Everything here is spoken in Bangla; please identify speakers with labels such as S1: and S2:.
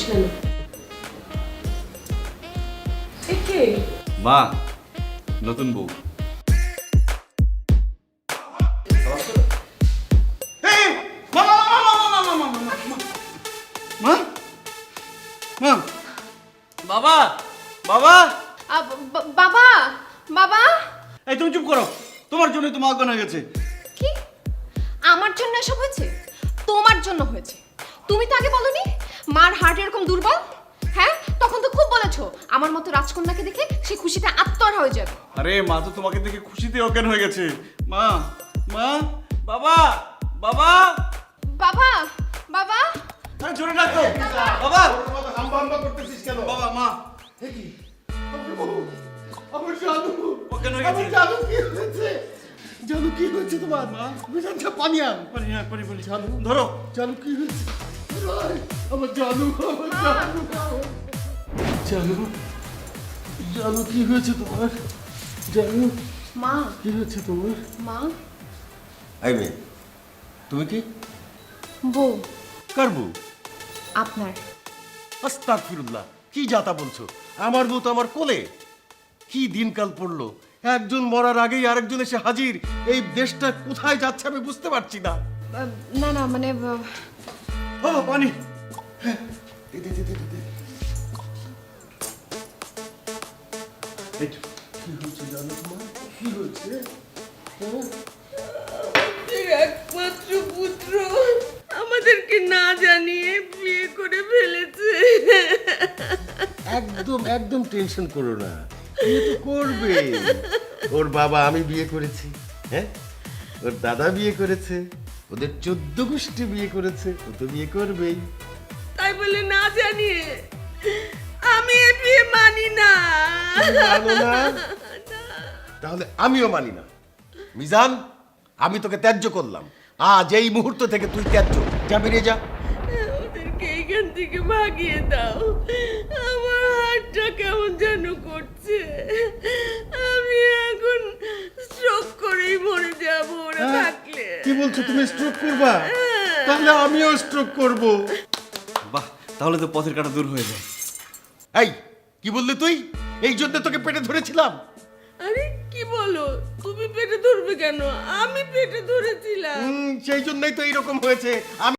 S1: করছিস কেন? কে?
S2: মা, নতুন বউ। বাবা, বাবা,
S1: বাবা, বাবা,
S2: এই তুমি চুপ করো। তোমার জন্য তো মা অজ্ঞান হয়ে গেছে।
S1: কি? আমার জন্য এসব হয়েছে? তোমার জন্য হয়েছে। তুমি তো আগে বলনি মার হার্ট এরকম দুর্বল। হ্যাঁ, তখন তো খুব বলেছো আমার মতো রাজকন্যাকে দেখে সে খুশিতে আত্মহারা হয়ে যাবে।
S2: আরে মা তো তোমাকে দেখে খুশিতে অজ্ঞান হয়ে গেছে। মা, মা, বাবা, বাবা,
S1: বাবা, বাবা,
S2: আরে জোরে ডাকো। বাবা,
S3: হাম্বা হাম্বা করতেছিস কেন?
S2: বাবা, মা,
S3: এ কি? আমার জাদু,
S2: অজ্ঞান হয়ে গেছে।
S3: আমার জাদু কি হয়েছে? জাদু কি হয়েছে তোমার? মা, বিধানটা পানি আন।
S2: পারি, পারি।
S3: জাদু,
S2: ধরো।
S3: জাদু কি হয়েছে? আমার জাদু, আমার জাদু, জাদু, জাদু কি হয়েছে তোমার? জাদু
S1: মা,
S3: কি হয়েছে তোমার?
S1: মা,
S3: এই মেয়ে, তুমি কি?
S1: বউ,
S3: কার বউ?
S1: আপনার।
S3: আস্তাগফিরুল্লাহ, কি যাতা বলছো? আমার বউ তো আমার কোলে। কি দিনকাল পড়লো, একজন মরার আগেই আরেকজন এসে হাজির। এই দেশটা কোথায় যাচ্ছে আমি বুঝতে পারছি না।
S1: না না মানে
S3: ও পানি, হ্যাঁ, দে, দে, দে, দে, দে। এই তো, কি হয়েছে জানো তোমার? কি হয়েছে? হ্যাঁ?
S4: একমাত্র পুত্র আমাদেরকে না জানিয়ে বিয়ে করে ফেলেছে।
S3: একদম একদম টেনশন করো না, বিয়ে তো করবে। ওর বাবা আমি বিয়ে করেছি, হ্যাঁ, ওর দাদা বিয়ে করেছে, ওদের 14 গোষ্ঠী বিয়ে করেছে, ও তো বিয়ে করবেই।
S4: তাই বলে না জানিয়ে আমি এ বিয়ে মানি না।
S3: তুমি মানো না? তাহলে আমিও মানি না। মিজান, আমি তোকে ত্যায্য করলাম। আজ এই মুহূর্ত থেকে তুই ত্যায্য। যা, বেরিয়ে যা।
S4: ওদেরকে এইখান থেকে ভাগিয়ে দাও। আমার হাতটা কেমন যেন করছে। আমি এখন স্ট্রোক করেই মরে যাব ওরা থাকলে।
S3: কি বলছো, তুমি স্ট্রোক করবা? তাহলে আমিও স্ট্রোক করব।
S2: বাহ, তাহলে তো পথের কাটা দূর হয়ে যায়।
S3: এই, কি বললি তুই? এই জন্য তোকে পেটে ধরেছিলাম।
S4: আরে কি বলো, তুমি পেটে ধরবে কেন? আমি পেটে ধরেছিলাম।
S3: সেই জন্যই তো এইরকম হয়েছে। আমি